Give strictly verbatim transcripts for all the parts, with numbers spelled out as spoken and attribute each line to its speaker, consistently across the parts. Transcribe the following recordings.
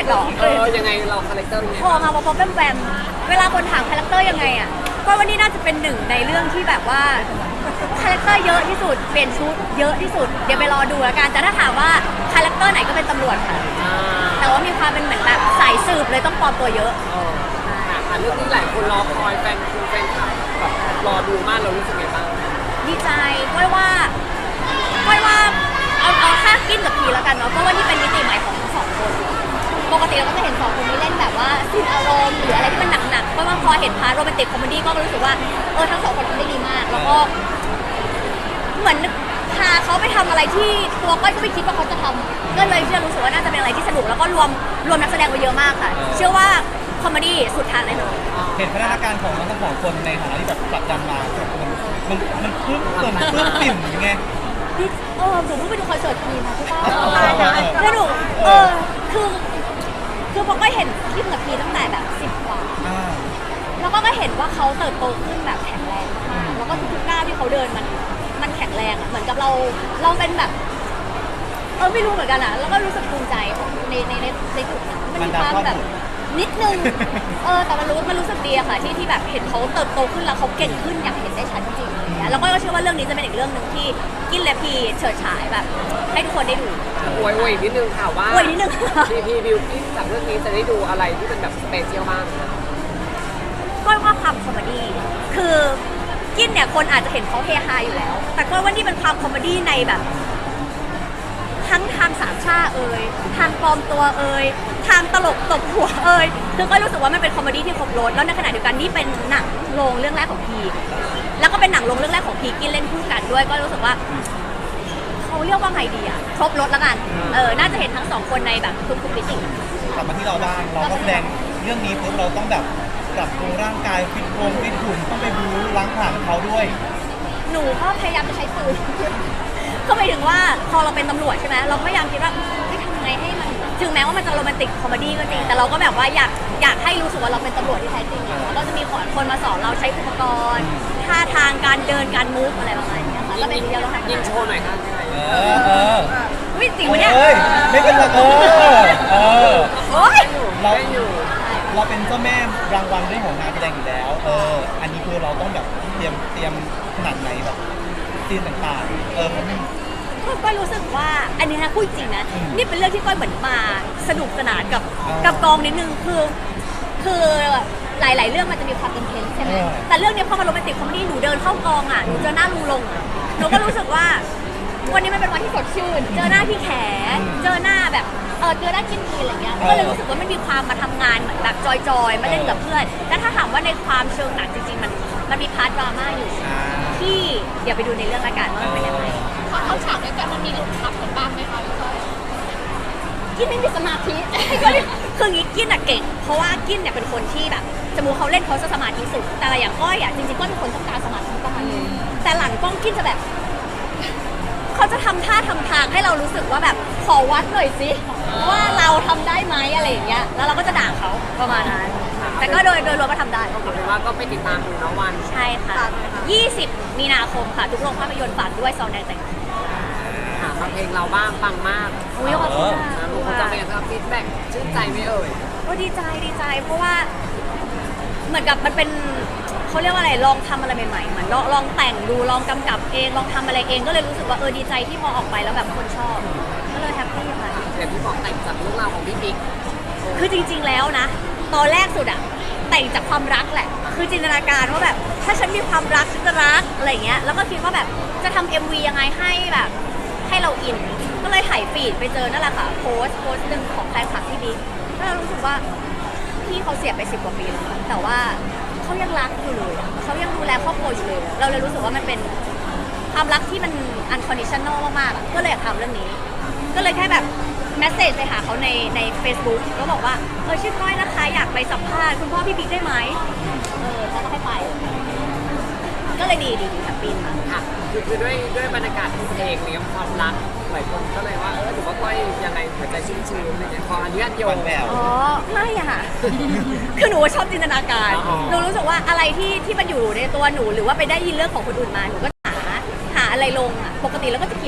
Speaker 1: กหรอ
Speaker 2: เออยังไงเราคาแรคเตอร์ยังไง
Speaker 1: พอมาพอแบมแบมเวลาคนถามคาแรคเตอร์ยังไงอ่ะก็วันนี้น่าจะเป็นหนึ่งในเรื่องที่แบบว่าคาแรคเตอร์เยอะที่สุดเปลี่ยนชุดเยอะที่สุดเดี๋ยวไปรอดูแล้วกันแต่ถ้าถามว่าคาแรคเตอร์ไหนก็เป็นตำรวจค่ะ
Speaker 2: อ่า
Speaker 1: แต่ว่ามีความเป็นเหมือนแบบสายสืบเลยต้องปลอมตัวเยอะ
Speaker 2: เออค่ะค่ะเรื่องนี้หลายคนรอคอยแฟนคุณแฟนคลับแบบรอดูมากเรารู้สึกไงบ้าง
Speaker 1: ดีใจก้อยว่าก้อยว่าเอาเอาค่ากินกับพีแล้วกันเนาะเพราะว่านี่เป็นมิติใหม่ของทั้งสองคนปกติเราก็จะเห็นสองคนนี้เล่นแบบว่าซีนอารมณ์หรืออะไรที่มันหนักๆเพราะว่าพอเห็นพาร์ทโรแมนติกคอมเมดี้ก็รู้สึกว่าเออทั้งสองคนทำได้ดีมากแล้วก็เหมือนพาเขาไปทำอะไรที่ตัวก้อยก็ไม่คิดว่าเขาจะทำก็เลยเชื่อรู้สึกว่าน่าจะเป็นอะไรที่สนุกแล้วก็รวมรวมนักแสดงไว้เยอะมากค่ะเชื่อว่าคอมเมดี้สุดทางแน่นอน
Speaker 3: เห็นพัฒนาการของทั้งสองคนในฐานะที่แบบผลักดันมามันมันมันปลื้มเปิ่มปลื้มปิ่มยังไง
Speaker 1: นี่เออหนูเพิ่งไปดูคอนเสิร์ตทีมาที่บ้าน
Speaker 3: อ๋อ
Speaker 1: แล้วหนูเออคือคือพอก็เห็นคลิปกับพีตั้งแต่แบบสิบกว่า
Speaker 3: อ่า
Speaker 1: แล้วก็ก็เห็นว่าเขาเติบโตขึ้นแบบแข็งแรงมากแล้วก็ทุกๆก้าวที่เขาเดินมันมันแข็งแรงอ่ะเหมือนกับเราเราเป็นแบบเออไม่รู้เหมือนกันอ่ะแล้วก็รู้สึกภูมิใจในในในในจุดนั้นมันมีความแบบนิดนึงเออแต่มันรู้มันรู้สึกดีอะค่ะที่ที่แบบเห็นเขาเติบโตขึ้นแล้วเขาเก่งขึ้นอย่างเห็นได้ชัดจริงๆอะไรเงี้ยแล้วก็เชื่อว่าเรื่องนี้จะเป็นอีกเรื่องหนึ่งที่กินและพีเฉิดฉายแบบให้ทุกคนได้ดู
Speaker 2: อวยอวยนิดนึงค่ะว่า
Speaker 1: อวยนิดนึง
Speaker 2: พีพีบิวกิ้นจากเรื่องนี้จะได้ดูอะไรที่เป็นแบบสเปเชียลบ้าง
Speaker 1: ก้อยว่าความคอมเมดี้คือกินเนี่ยคนอาจจะเห็นเขาเฮฮาอยู่แล้ว แต่ก้อยว่านี่เป็นความคอมเมดี้ในแบบ ทั้งทางสามชาเอ่ยทางปลอมตัวเอ่ยทางตลกตบหัวเอ่ยคือก้อยรู้สึกว่ามันเป็นคอมเมดี้ที่ครบรสแล้วในขณะเดียวกันนี่เป็นหนังโรงเรื่องแรกของพีแล้วก็เป็นหนังโรงเรื่องแรกของพีกินเล่นคู่กันด้วยก็รู้สึกว่าเขาเรียกว่าไงดีอะครบรสแล้วกันเออน่าจะเห็นทั้งสองคนในแบบทุกๆมิติ
Speaker 3: กลับมาที่เราบ้างเราก็แสดงเรื่องนี้ปุ๊บเราต้องแบบปรับปรุงร่างกายฟิตโครงฟิตหุ่นต้องไปบู๊ล้างผลาญเขาด้วย
Speaker 1: หนูก็พยายามจะใช้ปืน ก็หมายถึงว่าพอเราเป็นตำรวจใช่ไหมเราก็พยายามคิดว่าไม่ทำยังไงให้มันถึงแม้ว่ามันจะโรแมนติกคอมเมดี้ก็จริงแต่เราก็แบบว่าอยากอยากให้รู้สึกว่าเราเป็นตำรวจที่แท้จริงอะแล้วก็จะมีคนมาสอนเราใช้อุปกรณ์ท่าทางการเดินการมูฟอะไรประมาณนี้ค่ะก็เป็นที่เราทำ
Speaker 2: ยิงโชว์หน่อยค่ะ
Speaker 3: เออเออ
Speaker 1: วิจริงปะเนี่ย
Speaker 3: เอ้ยไม่เป็นไรเออเออ
Speaker 1: โอ๊ย
Speaker 3: เรา
Speaker 2: ได้อยู่
Speaker 3: เราเป็นเจ้าแม่รางวัลเรื่องของงานแสดงอยู่แล้วเอออันนี้คือเราต้องแบบเตรียมเตรียมขนาดไหนแบบซีนต่างๆเออมัน
Speaker 1: ก็ก้อยรู้สึกว่าอันนี้นะพูดจริงนะ
Speaker 3: อืม
Speaker 1: นี่เป็นเรื่องที่ก้อยเหมือนมาสนุกสนานกับ
Speaker 3: อ่ากั
Speaker 1: กับกองนิดนึงคือคือหลาย ๆ เรื่องมันจะมีความอินเทนส์ใช่ไหม
Speaker 3: เออ
Speaker 1: แต่เรื่องนี้พอมาโรแมนติกคอมเมดี้หนูเดินเข้ากองอ่ะหนูเจอหน้าลุงลงอะหนูก็รู้สึกว่าวันนี้มันเป็นวันที่สดชื่น เจอหน้าพี่แขเจอหน้าแบบเออเจอหน้ากินพีอะไรเงี้ยก็เลยรู้สึกว่ามันมีความมาทำงานเหมือนแบบจอยๆมาเล่นกับเพื่อนแต่ถ้าถามว่าในความเชิงหนังจริง ๆ มันมันมีพาร์ทดราม่าอยู่
Speaker 3: อ่า
Speaker 1: ที่เดี๋ยวไปดูในเรื่องละกันว่ามันเป็นยังไง
Speaker 4: พอเข้าฉากด้วยกันมันมีหลุดขับกันบ้างไหมคะพี่ก้อย
Speaker 1: กินไม่มีสมาธิ ก็เลยคืองี้กินอะเก่ง เพราะว่ากินเนี่ยเป็นคนที่แบบสมมติเขาเล่นเขาจะสมาธิสุด แต่อย่างก้อยอะจริงๆก้อยเป็นคนต้องการสมาธิประมาณนึงแต่หลังกล้องกินจะแบบเขาจะทำท่าทำทางให้เรารู้สึกว่าแบบขอวัดหน่อยสิว่าเราทำได้ไหมอะไรอย่างเงี้ยแล้วเราก็จะด่าเขาประมาณนั้นแต่ก็โดยโดยรวมก็ทำได้
Speaker 2: เอาเป็นว่าก็ไปติดตามดูนะวัน
Speaker 1: ใช่ค่ะยี่สิบมีนาคมค่ะทุกโรงภาพยนตร์ฝากด้วยซองแดงแต่ง
Speaker 2: ค่ะฟังเพลงเราบ้างฟังมาก
Speaker 1: อุ้ยขอบคุณ
Speaker 2: นะ
Speaker 1: ค่ะ
Speaker 2: ลูกคนจะเป็นยังไงฟีดแบ็กชื่นใจไหมเอ่ย
Speaker 1: ก็ดีใจดีใจเพราะว่าเหมือนกับมันเป็นเขาเรียกว่าอะไรลองทำอะไรใหม่ๆเหมือนลองลองแต่งดูลองกำกับเองลองทำอะไรเองก็เลยรู้สึกว่าเออดีใจที่พอออกไปแล้วแบบคนชอบก็เลยแฮปปี้ค่ะ
Speaker 2: อย่างที่บอกแต่งจากเรื่องราวของพี่บิ๊ก
Speaker 1: คือจริงๆแล้วนะตอนแรกสุดอะแต่งจากความรักแหละ คือจินตนาการว่าแบบถ้าฉันมีความรักฉันจะรักอะไรอย่างเงี้ยแล้วก็คิดว่าแบบจะทำเอ็มวียังไงให้แบบให้เราอินก็เลยถ่ายฟีดไปเจอนั่นแหละค่ะโพสต์โพสต์หนึ่งของแฟนคลับพี่บิ๊กก็เลยรู้สึกว่าพี่เขาเสียไปสิบกว่าปีแล้วแต่ว่าเขายังรักอยู่เลยอะเขายังดูแลครอบครัวอยู่เลย เราเลยรู้สึกว่ามันเป็นความรักที่มัน unconditional มากๆอะก็เลยอยากทำเรื่องนี้ ก็เลยแค่แบบแมสเซจไปหาเขาในใน Facebook ก็บอกว่าเออชื่อก้อยนะคะอยากไปสัมภาษณ์คุณพ่อพี่บิ๊กได้ไหมเออเขาก็ให้ไป ก็เลยดีดีดีแฮปปี้ค่ะ
Speaker 2: ค่ะคือคือด้วยด้วยบรรยากาศของเพลงเนี้ยความรักหลายคนก็เลยว่าเออถือว่าก้อยยังไงหัวใจชุ่มชื้นอะไรเงี้ยขออนุญาตโย
Speaker 3: หวาน
Speaker 2: ง
Speaker 3: แหวว
Speaker 1: อ๋อไม่อะค่ะ คือหนูชอบจินตนาการ
Speaker 2: อ๋อ
Speaker 1: หนูรู้สึกว่าอะไรที่ที่มันอยู่ในตัวหนูหรือว่าไปได้ยินเรื่องของคนอื่นมาหนูก็หาหาอะไรลงอะปกติแล้วก็จะเขียน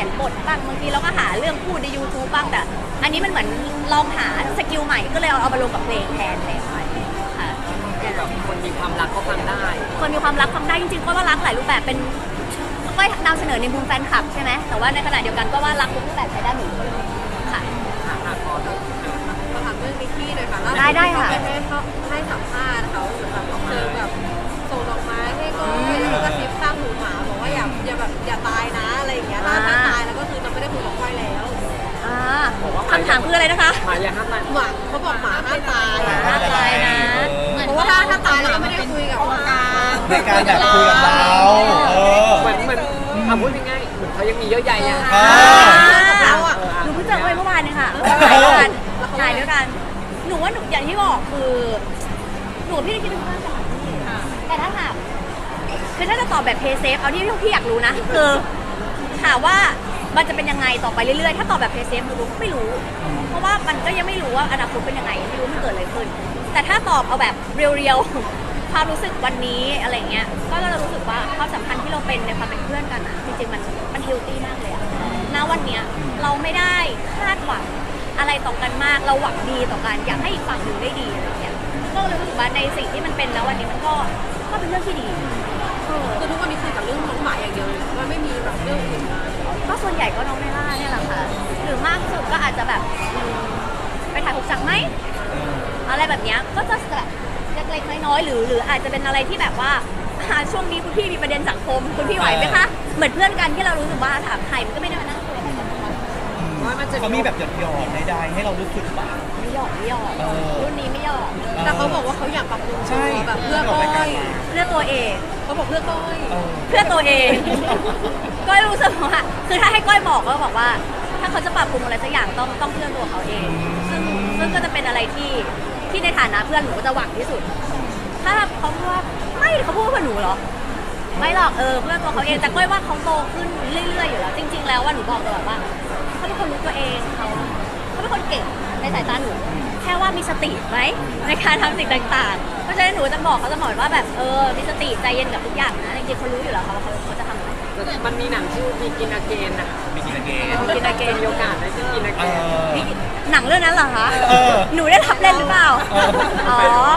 Speaker 1: ยนบทบ้างบางทีเราก็หาเรื่องพูดใน YouTube บ้างแต่อันนี้มันเหมือนลองหาสกิลใหม่ก็เลยเอาเอามาลงกับเพลงแทนแทนไปค่ะ
Speaker 2: คือแบบคนมีความรักก็ฟังได้
Speaker 1: คนมีความรักฟังได้จริงๆก็ว่ารักหลายรูปแบบเป็นก็นำเสนอในมุมแฟนคลับใช่ไหมแต่ว่าในขณะเดียวกันก็ว่ารักทุกรูปแบบใช้ได้หมดเลยค่ะ
Speaker 2: ค่ะค่ะขอเถอะ
Speaker 5: มาถามเรื่องนิกกี้หน่อยค่ะล่าสุ
Speaker 1: ได้ได้ค่ะ
Speaker 5: เขาไปให้เขาให้สัมภาษณ์เขาเหมือนแบบเจอแบบส่งดอกไม้ให้ก้อยแล้วก็กระซิบข้างหูหมาบอกว่าอย่าอย่าแบบอย่าตายนะอะไรอย่างเงี้ยถ้าถ้าตายแล้วก็คือจะไม่ได้คุยกับก้อยแล้ว
Speaker 1: อ่าคำถามคืออะไรนะคะ
Speaker 2: หมายอย่าห้ามมัน
Speaker 5: หมาเขาบอกหมาห้ามตาย
Speaker 1: ห้ามตายนะ
Speaker 5: เพราะว่าถ้าถ้าตายแล้วก็ไม่ได้คุยกับก้อย
Speaker 3: ในการแบบคุยกับเราเออ
Speaker 2: เหมือนเหมือนทำพูดง่ายๆเหมือนเขายังมีเยอะใหญ่อะ
Speaker 3: อ่า
Speaker 5: เราอ่ะ
Speaker 1: หนูเพิ่งเจอเว้ยเมื่อวานเนี่ยค่ะถ่ายด้วยกันถ่ายด้วยกัน หนูว่าหนูอย่างที่บอกคือ หนูกับพี่ได้คิดเป็นเพื่อนกันแต่ถ้าถามคือถ้าจะตอบแบบเพย์เซฟเอาที่พี่อยากรู้นะคือถามว่ามันจะเป็นยังไงต่อไปเรื่อยๆ ถ้าตอบแบบเพย์เซฟหนูไม่รู้ เพราะว่ามันก็ยังไม่รู้ว่าอนาคตเป็นยังไงไม่รู้มันเกิดอะไรขึ้น แต่ถ้าตอบเอาแบบเรียวๆความรู้สึกวันนี้อะไรเงี้ยก็จะรู้สึกว่าความสัมพันธ์ที่เราเป็นในความเป็นเพื่อนกันอะจริงๆมันมันเฮลตี้มากเลยอะณวันเนี้ยเราไม่ได้คาดหวังอะไรต่อกันมากเราหวังดีต่อกันอยากให้อีกฝั่งหนึ่งได้ดีอะไรเงี้ยก็เลยรู้สึกว่าในสิ่งที่มันเป็นณวันนี้มันก็ก็เป็นเรื่องที่ดีเออ
Speaker 5: คือทุกวันนี้คุยกับเรื่องน้องหมาอย่างเดียวเลยว่าไม่มีแบบเรื่องอื่นมา
Speaker 1: ก็ส่วนใหญ่ก็น้องเมล่าเนี่ยแหละค่ะ หรือมากสุดก็อาจจะแบบอืมไปถ่ายหกจังไหมอะไรแบบเนี้ยก็จะแบบเล็กๆน้อยๆหรือหรืออาจจะเป็นอะไรที่แบบว่าอ่าช่วงนี้คุณพี่มีประเด็นสังคมคุณพี่ไหวไหมคะเหมือนเพื่อนกันที่เรารู้สึกว่าถามใครมันก็ไม่ได้มานั่งคุยอะไรกันนะคะ
Speaker 2: ว่ามันจะ
Speaker 3: เขามีแบบหยอดหยอดๆใดๆให้เรารู้สึกบ้าง
Speaker 1: ไม่หยอกไม่หยอก
Speaker 3: เออ
Speaker 1: รุ่นนี้ไม่หยอก
Speaker 5: แต่เขาบอกว่าเขาอยากปรับปรุง
Speaker 3: ใช่
Speaker 5: ตัวแบบเพื่อก้อย
Speaker 1: เพื่อตัวเอง
Speaker 5: เขาบอกเพื่อก้อย
Speaker 3: เออ
Speaker 1: เพื่อตัวเอง ก้อยรู้สึกว่าคือถ้าให้ก้อยบอกก็บอกว่า ถ้าเขาจะปรับปรุงอะไรสักอย่างต้องต้องเพื่อตัวเขาเอง ซึ่งซึ่งก็จะเป็นอะไรที่ที่ในฐานะเพื่อนหนูก็จะหวังที่สุด ถ้าเขาพูดว่าไม่เขาพูดว่าเพื่อนหนูเหรอ ไม่หรอกเออเพื่อนตัวเขาเองแต่ก้อยว่าเขาโตขึ้นเรื่อยๆอยู่แล้ว จริง ๆ แล้วว่าหนูบอกตลอดว่าเขาเป็นคนรู้ตัวเองเขาเขาเป็นคนเก่งในสายตาหนู แค่ว่ามีสติไหมในการทำสิ่งต่างๆ เพราะฉะนั้นหนูจะบอกเขาเสมอว่าแบบเออมีสติใจเย็นกับทุกอย่างนะจริงๆเขารู้อยู่แล้วเขาว่าเขาเขาจะทำอะไร
Speaker 2: มันมีหนังชื่อมีกินอาเกนนะ
Speaker 3: มีกินเกน
Speaker 1: กินอาเกน
Speaker 2: มีโอกาสได้กินอา
Speaker 3: เอ
Speaker 2: เกน
Speaker 3: อ
Speaker 1: นี่หนังเรื่องนั้นเหรอคะ
Speaker 3: เออ
Speaker 1: หนูได้รับเล่นหรือเปล่า
Speaker 3: เออ
Speaker 1: อ๋อ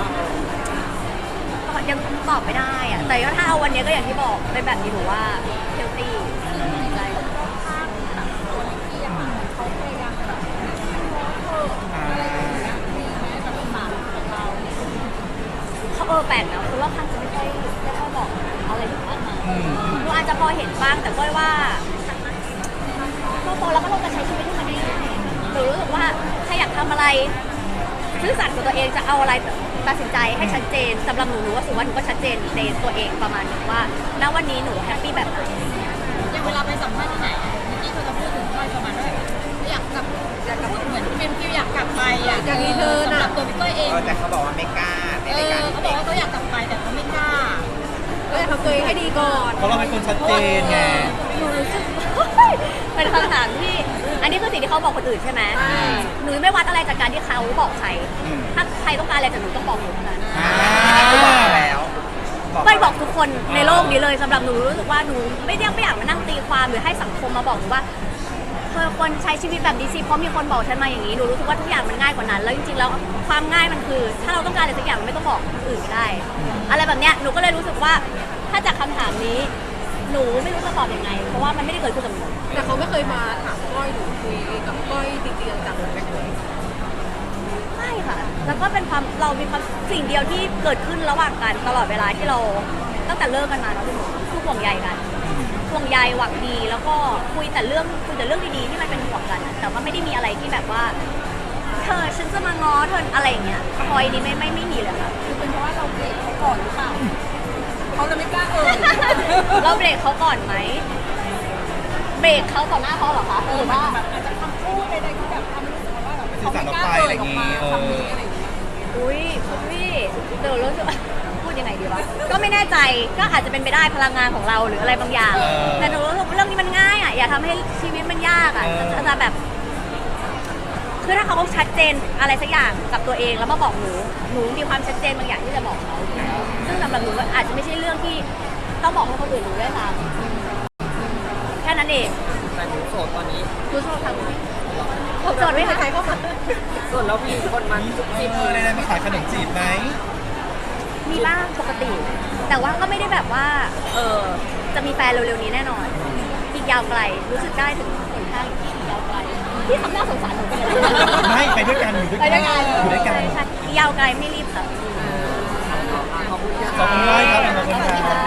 Speaker 1: ยังตอบไม่ได้อะแต่ก็ถ้าเอาวันนี้ก็อย่างที่บอกเป็นแบบนี้หนูว่าเฮลตี้ใจ
Speaker 3: อ่า
Speaker 1: เขาเออแปลกนะคนรอบข้างจะไม่ค่อยไม่ค่อยบอกอะไรถึงมากมาย
Speaker 3: อืม
Speaker 1: หนูอาจจะพอเห็นบ้างแต่ก้อยว่าเราโตแล้วก็เราจะใช้ชีวิตให้มันได้ง่ายหนูรู้สึกว่าถ้าอยากทำอะไรซื่อสัตย์กับตัวเองจะเอาอะไรตัดสินใจให้ชัดเจนสำหรับหนูหนูว่าสุว่าหนูก็ชัดเจนในตัวเองประมาณนึงว่าณวันนี้หนูแฮปปี้แบบไหน
Speaker 4: อย่างเวลาไปสัมภาษณ์ที่ไหนเมื่อกี้เขาจะพูดถึงก้อยประมาณว่าอยากกลับอยากกลับเหมือนเป็นฟิลอยากกลับไปอ่ะ
Speaker 5: อยากรีเทิร์นอะ
Speaker 4: สำหรับตัวพี่ก้อยเอง
Speaker 6: เออแต่เขาบอกว่าไม่กล้าใน
Speaker 4: เอ
Speaker 6: รายการ
Speaker 4: อเขาบอกว่าเขาอยากกลับไปแต่เขาไม่กล้า
Speaker 5: ก็จะทำตัวเองให้ดีก่อน
Speaker 3: เพราะเราเป็นคนชัดเจนไง
Speaker 1: หนูรู้สึก เป็นคำถามที่ อันนี้คือสิ่งที่เขาบอกคนอื่นใช่ไหม
Speaker 5: ใช่
Speaker 1: หนูไม่วัดอะไรจากการที่เขาบอกใคร
Speaker 3: อืม
Speaker 1: ถ้าใครต้องการอะไรจากหนูต้องบอกหนูเท่านั้น
Speaker 3: อ่า
Speaker 6: เขาบอกแล้ว
Speaker 1: ก้อยบอกทุกคนในโลกนี้เลยสำหรับหนูรู้สึกว่าหนูไม่ได้ไม่อยากมานั่งตีความหรือให้สังคมมาบอกหนูว่าเธอควรใช้ชีวิตแบบนี้สิเพราะมีคนบอกฉันมาอย่างนี้หนูรู้สึกว่าทุกอย่างมันง่ายกว่านั้น แล้วจริงๆแล้วความง่ายมันคือ ถ้าเราต้องการอะไรสักอย่างมันไม่ต้องบอกคนอื่นก็ได้ อะไรแบบเนี้ยหนูก็เลยรู้สึกว่าถ้าจากคำถามนี้ หนูไม่รู้จะตอบยังไง เพราะว่ามันไม่ได้เกิดขึ้นกับหนู
Speaker 5: แต่เขาไม่เคยมาถามก้อยหรือคุยกับก้อยจริงๆจังๆเลย
Speaker 1: ไม่ค่ะ แล้วก็เป็นความเรามีความสิ่งเดียวที่เกิดขึ้นระหว่างกันตลอดเวลาที่เราตั้งแต่เลิกกันมาเนาะพี่หนูคือห่วงใยกันห่วงใยหวังดี แล้วก็คุยแต่เรื่องคุยแต่เรื่องดีๆที่มันเป็นห่วงกันอะแต่ว่าไม่ได้มีอะไรที่แบบว่าเธอฉันจะมาง้อเธออะไรอย่างเงี้ยคอยนี้ไม่ไม่ไม่มีเลยค่ะ
Speaker 4: คือเป็นเพราะว่าเราเบรกเขาก่อนหรือเปล่าเขาจะไม่กล้าเออ
Speaker 1: เราเบรกเขาก่อนไหมเบรกเขาต่อหน้าเขาเหรอคะหรือว่า
Speaker 4: อาจจะคำพูดใดๆที่แบบทำให้รู้สึกว่าแบบ
Speaker 3: สื่อสารออกไปอะไรอย่างงี้เออ
Speaker 4: คำนี้อะไรอย่างเงี้ย
Speaker 1: อุ้ยคุณพี่เดี๋ยวรู้สึกว่าพูดยังไงดีวะก็ไม่แน่ใจก็อาจจะเป็นไปได้พลังงานของเราหรืออะไรบางอย่าง
Speaker 3: เออ
Speaker 1: แต่หนูรู้สึกว่าเรื่องนี้มันง่ายอ่ะอย่าทำให้ชีวิตมันยากอ่ะ
Speaker 3: เออ
Speaker 1: จะจะแบบคือถ้าเขาชัดเจนอะไรสักอย่างกับตัวเองแล้วมาบอกหนูหนูมีความชัดเจนบางอย่างที่จะบอกเขาอยู่แล้วซึ่งสำหรับหนูก็อาจจะไม่ใช่เรื่องที่ต้องบอกให้คนอื่นรู้ด้วยซ้ำแค่นั้นเอง
Speaker 2: แต่หนูโสดตอนนี้
Speaker 1: คุณชอบทำไหมโสดไหมคะ
Speaker 5: ใครเข้ามา
Speaker 2: ส่วนแล้วมีคนมาจุ๊บ
Speaker 3: จี
Speaker 2: จิ๊
Speaker 3: บบ เลยนะมาขายขนมจีบไหม
Speaker 1: มีบ้างปกติ แต่ว่าก็ไม่ได้แบบว่า เออจะมีแฟนเร็วๆนี้แน่นอน อีกยาวไกล รู้สึกได้ถึงหนทางที่อีกยาวไกลที่ทำหน้าสงสารหนูไปเลย
Speaker 3: ไม่ไปด้วยกันอยู่ด้วย
Speaker 1: ไป
Speaker 3: กัน
Speaker 1: ด้วยกัน
Speaker 3: อยู่ด้วยกัน
Speaker 1: ใช่ใช่อีกยาวไกลไม่รีบค่ะ
Speaker 2: ขอบคุณค่ะ
Speaker 3: ขอบคุณมากครับขอบคุณครับ